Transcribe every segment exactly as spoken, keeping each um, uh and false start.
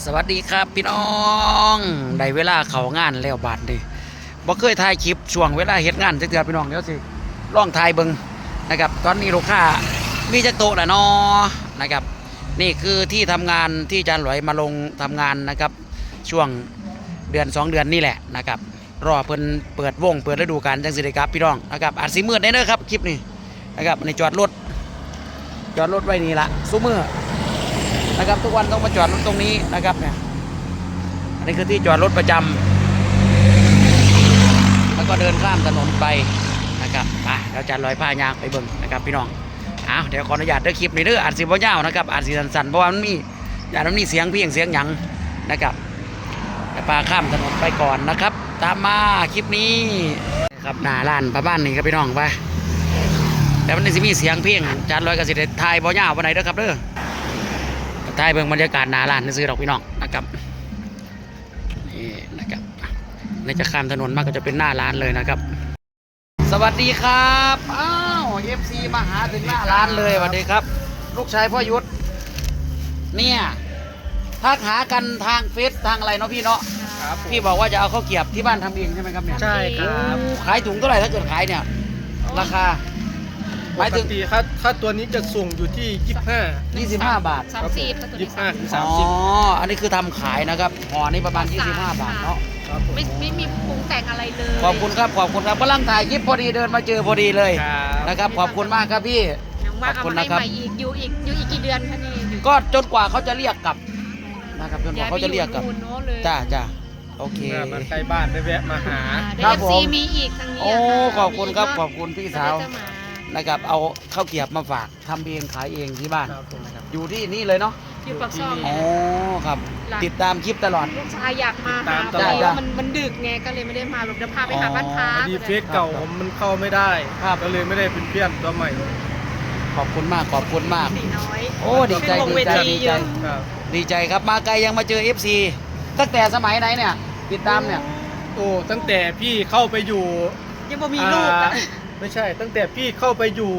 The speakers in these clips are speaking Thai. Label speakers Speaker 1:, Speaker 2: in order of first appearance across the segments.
Speaker 1: วัสดีครับพี่น้องได้เวลาเข้างานแล้วบาดนี้บ่เคยถ่ายคลิปช่วงเวลาเฮ็ดงานจักเทื่อพี่น้องเดี๋ยวสิลองถ่ายเบิ่งนะครับตอนนี้ลูกค้ามีจักโต๊ะแล้วเนาะนะครับนี่คือที่ทำงานที่อาจารย์หลอยมาลงทำงานนะครับช่วงเดือนสองเดือนนี่แหละนะครับรอเพิ่นเปิดวงเปิดฤดูกาลจังสิได้ครับพี่น้องนะครับอาจสิมืดได้เด้อครับคลิปนี้นะครับในจอดรถจอดรถไว้นี่ละซุมื้อนะครับทุกวันต้องมาจอดรถตรงนี้นะครับเนี่ยอันนี้คือที่จอดรถประจำแล้วก็เดินข้ามถนนไปนะครับไปเราจะลอยผ้ายางไปเบิ่งนะครับพี่น้องอ้าวเดี๋ยวขออนุญาตเด้อคลิปนี้เด้ออาจสิบ่ยาวนะครับอาจสิสั้นๆเพราะว่ามันมีอย่างนั้นมีเสียงเพียงเสียงหยังนะครับจะพาข้ามถนนไปก่อนนะครับตามมาคลิปนี้ครับหน้าร้านประมาณนี้ครับพี่น้องไปแต่มันจะมีเสียงเพียงจานลอยกระสิได้ถ่ายบ่ยาววันไหนเด้อครับเด้อถ่ายเบิ่งบรรยากาศหน้าร้านซื้อดอกพี่น้องนะครับนี่นะครับนี่จะข้ามถนนมาก็จะเป็นหน้าร้านเลยนะครับสวัสดีครับอ้าวเอฟซีมาหาถึงหน้าร้านเลยสวัสดีครับลูกชายพ่อยุทธเนี่ยทักหากันทางเฟซทางอะไรเนาะพี่เนาะพี่บอกว่าจะเอาข้าวเกรียบที่บ้านทำเองใช่ไหมครับเนี่ย
Speaker 2: ใช่ครับ
Speaker 1: ขายถุงเท่าไหร่ถ้าเกิดขายเนี่ยราคาหมายถึง
Speaker 2: ปกติค่าค่าตัวนี้จะส่งอยู่ที่ยี่สิบห้า
Speaker 1: ยี่สิบห้าบาท
Speaker 3: สามสิบตัว
Speaker 2: ยี่
Speaker 3: นี้
Speaker 2: สิบห้าถึง
Speaker 1: อ๋
Speaker 2: สา
Speaker 1: อ
Speaker 2: มสิบ
Speaker 1: อันนี้คือทำขายนะครับห่อนี้ประมาณยี่สิบห้าบาทเนาะ
Speaker 2: ครับผม
Speaker 3: ไม่ไม่มีปรุงแต่งอะไรเลย
Speaker 1: ขอบคุณครับขอบคุณครับกำลังถ่ายคลิปพอดีเดินมาเจอพอดีเลย
Speaker 2: ครับ
Speaker 1: นะครับขอบคุณมากครับพี่
Speaker 3: ยังว่า
Speaker 1: ขอบ
Speaker 3: เอา
Speaker 1: คุณ
Speaker 3: มาให้
Speaker 1: นะครับ
Speaker 3: ใหม่อีกอยู่อีกอยู่อีกกี่เดือนคะนี่อยู่
Speaker 1: ก็จนกว่าเขาจะเรียกกลับนะครับจนกว่าเขาจะเรียกกลับ
Speaker 3: นู่นโน้นเลย
Speaker 1: จ้าจ้าโอเค
Speaker 2: เนี่ยมาใกล้บ้านได้แวะมาหา
Speaker 3: เด
Speaker 1: ครับ
Speaker 3: ฟ
Speaker 1: ผม
Speaker 3: ซีมีอีกทางนี้
Speaker 1: โอ้
Speaker 3: ะะ
Speaker 1: ขอบคุณครับ
Speaker 3: มีก
Speaker 1: ขอบคุณพี่สาว
Speaker 3: เดี๋ยจะมา
Speaker 1: นะครับเอาข้าวเกรียบมาฝากทำเองขายเองที่บ้าน
Speaker 2: ครับผม
Speaker 1: นะครับอยู่ที่นี่เลยเนาะ
Speaker 3: อยู่ปากช่อง
Speaker 1: อ๋อครับ
Speaker 3: หลัง
Speaker 1: ติดตามคลิปตลอด
Speaker 3: ลูกชายอยากมาหา
Speaker 2: ติด
Speaker 3: พอ
Speaker 2: ตาม
Speaker 3: ดี
Speaker 1: จ้ะ
Speaker 3: ว่ามันมันดึกไงก็เลยไม่ได้มาแบบเดี๋ยวพาไปหาบ้านพั
Speaker 2: พ
Speaker 3: ก
Speaker 2: อดีเฟซเก่าผมมันเข้าไม่ได้
Speaker 1: ครับ
Speaker 2: ก็เลยไม่ได้เป็นเพื่อนตัวใหม่
Speaker 1: ขอบคุณมากขอบคุณมาก
Speaker 3: สีน้อย
Speaker 1: โอ้ดีใจ
Speaker 3: เป็นวง
Speaker 1: ดีใจ
Speaker 3: เวที
Speaker 1: ดี
Speaker 3: อ
Speaker 1: ใจ
Speaker 3: ยู่
Speaker 2: ครับ
Speaker 1: ดีใจครับมาไกลยังมาเจอ เอฟ ซี ตั้งแต่สมัยไหนเนี่ยติดตามเนี่ย
Speaker 2: โอ้ตั้งแต่พี่เข้าไปอยู่
Speaker 3: ยังบ่มีลูก
Speaker 2: อ่า
Speaker 3: อะ
Speaker 2: ไม่ใช่ ตั้งแต่พี่เข้าไปอยู่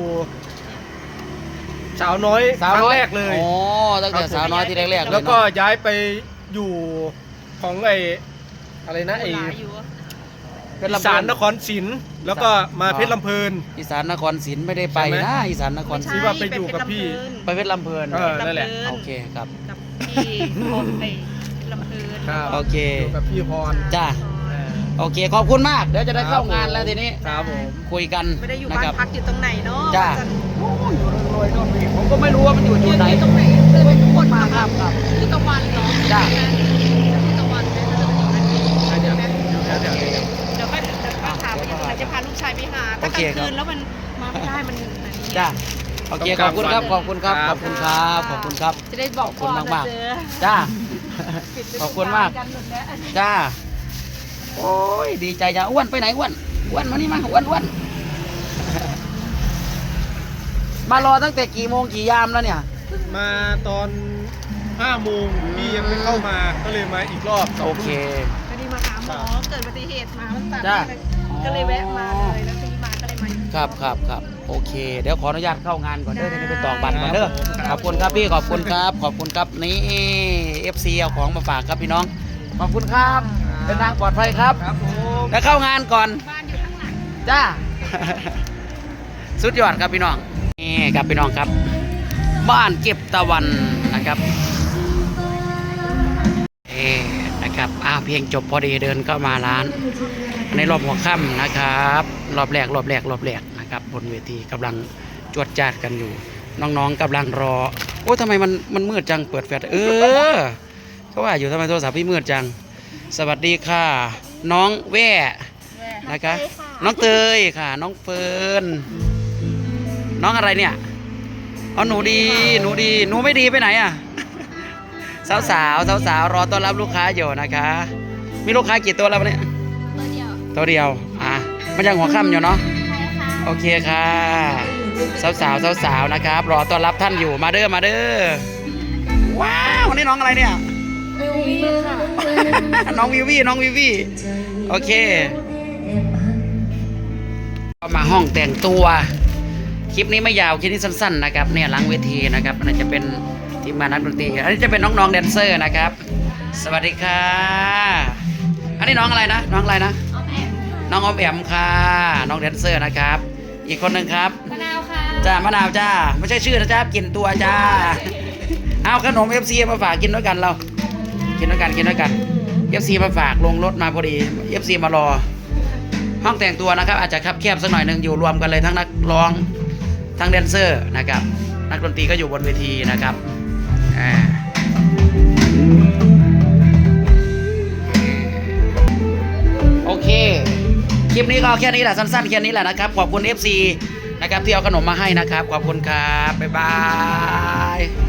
Speaker 2: สาวน้อย
Speaker 1: สาว
Speaker 2: ครั้
Speaker 1: น้
Speaker 2: ง
Speaker 1: อย
Speaker 2: แรกเลย
Speaker 1: โอ้ตั้งแต่
Speaker 2: ครับผม
Speaker 1: สาวน้อยที่แรกๆเลย
Speaker 2: แล้วก็
Speaker 1: เนาะ
Speaker 2: ย้ายไปอยู่ของไออะไรนะไอ
Speaker 3: หลายอยู่อะ
Speaker 1: เพชร
Speaker 2: อี
Speaker 1: ลำ
Speaker 2: สา
Speaker 1: เพ
Speaker 2: น
Speaker 1: ลิ
Speaker 2: นครศรีแล้วก็มาเพชรลำเพลิน
Speaker 1: อีสานนครศรีไม่ได้ไป
Speaker 2: ใช่ไหม
Speaker 1: นะอีสานนครศ
Speaker 2: ที่
Speaker 1: รี
Speaker 2: ว่าไปอยู่กับพี่
Speaker 1: ไปเพชรลำเพลิน
Speaker 2: เออนั่นแหละ
Speaker 1: โอเคครับ
Speaker 3: กับพี่คนไปลำเพลิน
Speaker 2: ครับ
Speaker 1: โอเค
Speaker 2: อยู่กับพี่พร
Speaker 1: จ้า
Speaker 2: เออ
Speaker 1: โอเคขอบคุณมากเดี๋ยวจะได้เข้างานแล้วทีนี้
Speaker 2: ครับผม
Speaker 1: คุยกัน
Speaker 3: ไม่ได้อยู่
Speaker 1: นะ
Speaker 3: บ้า
Speaker 1: คน รับ
Speaker 3: พักอยู่ตรงไหนเนาะ
Speaker 1: จ้า
Speaker 3: จะ
Speaker 1: โอ้อยู่รวยๆโน่นนี่ผมก็ไม่รู้ว่ามันอยู่
Speaker 3: อ
Speaker 1: จุ
Speaker 3: ยู่
Speaker 1: ดไหน
Speaker 3: ตรงไหนเดินไปทุกคน
Speaker 1: มา
Speaker 3: มา
Speaker 1: ครับครับ
Speaker 3: ที่ตะวันเหรอ
Speaker 1: จ้า
Speaker 3: ที่ตะวันเนี่ยจะเป็นอย่างนั้น
Speaker 2: เดี๋ยวเดี๋ยวเดี๋ยวเดี๋ยว
Speaker 3: เดี๋ยวก็เดี๋ยวก็ถามว่าจะจะพาลูกชายไปหาถ้ากลางคืนแล้วมันมาไม่ได้มัน
Speaker 1: จ้าโอเคขอบคุณครับขอบคุณครับขอบคุณครับขอบคุณครับ
Speaker 3: จะได้บอก
Speaker 1: ขอบคุณมากๆ
Speaker 3: เจอ
Speaker 1: จ้า
Speaker 3: ปิดฤดู
Speaker 1: ขอบคุณมาก
Speaker 3: นหมดแล้ว
Speaker 1: จ้า โอ้ย ดีใจจ้าอ้วนไปไหนอ้วนอ้วนมานี่มาอ้วนอ้วน มารอตั้งแต่กี่โมงกี่ยามแล้วเนี่ย
Speaker 2: มาตอนห้าโมงพี่ยังไม่เข้ามาก็เลยมาอีกรอบ
Speaker 1: โอเค
Speaker 3: พอดีมาหาหมอเกิดอุบัติเหตุมามันตัด
Speaker 1: จ้า
Speaker 3: ก็เลยแวะมาเลยแล้วทีมาก็เลยมาอีก
Speaker 1: ครับครับครับโอเค เดี๋ยวขออนุญาตเข้างานก่อนเด้อทีนี้ไปตอกบัตรก่อนเด้อขอบคุณครับพี่ขอบคุณครับ ขอบคุณครับนี่เอฟซีเอาของมาฝากครับพี่น้อง ขอบคุณครับเป็นทางปลอดภัยครับ
Speaker 2: ครับผม
Speaker 1: แล้วเข้างานก่อน
Speaker 3: บ้านอยู่ข้างหลัง
Speaker 1: จ้า สุดยอดครับพี่น้องนี่ครับพี่น้องครับ บ้านเก็บตะวันนะครับเอ๊นะครับอ้าวเพียงจบพอดีเดินเข้ามาร้าน ในรอบหัวค่ำนะครับ รอบแรกรอบแรกรอบแรกนะครับบนเวทีกำลังจวดจ้าดกันอยู่ น้องๆกำลังรอโอ้ทำไมมันมันมืดจังเปิดแฟลชเออเขาว่าอยู่ทำไมโทรศัพท์พี่มืดจัง สวัสดีค่ะ น้องแว่นะคะน้องเตยค่ะ น้องเฟิร์นน้องอะไรเนี่ยเอาหนูดีหนูดีหนูไม่ดีไปไหนอ่ะ สาวสาวสาวสาวๆรอต้อนรับลูกค้าอยู่นะคะ มีลูกค้ากี่ตัวแล้ววันนี้
Speaker 3: ตัวเดียว
Speaker 1: ตัวเดียวอ่ะมันยังหัวค่ำอยู่เนาะโอเคค่ะสาวสาวสาวสาวๆนะครับ รอต้อนรับท่านอยู่มาเด้อมาเด้อว้าวนี่น้องอะไรเนี่ย
Speaker 3: วิววี่ค่ะ
Speaker 1: น้องวิวี่น้องวิวี่โอเคมาห้องแต่งตัวคลิปนี้ไม่ยาวคลิปนี้สั้นๆนะครับเนี่ยหลังเวทีนะครับอันนี้จะเป็นทีมงานนักดนตรีอันนี้จะเป็นน้องๆแดนเซอร์นะครับสวัสดีค่ะอันนี้น้องอะไรนะน้องอะไรนะ
Speaker 3: ออมแอม
Speaker 1: น้องออมแอมค่ะน้องแดนเซอร์นะครับ อีกคนหนึ่งครับ
Speaker 3: มะนาวค่ะ
Speaker 1: จ้ามะนาวจ้าไม่ใช่ชื่อนะจ้ากินตัวจ้าเอาขนม เอฟ ซี มาฝากกินด้วยกันเรากินด้วยกันกินด้วยกัน เอฟ ซี มาฝากลงรถมาพอดี เอฟ ซี มารอ ห้องแต่งตัวนะครับ อาจจะคับแคบสักหน่อยหนึ่งอยู่รวมกันเลยทั้งนักร้องทั้งแดนเซอร์นะครับนักดนตรีก็อยู่บนเวทีนะครับอ่าโอเค คลิปนี้ก็แค่นี้แหละสั้นๆแค่นี้แหละนะครับขอบคุณ เอฟ ซี นะครับที่เอาขนมมาให้นะครับขอบคุณครับบ๊ายบาย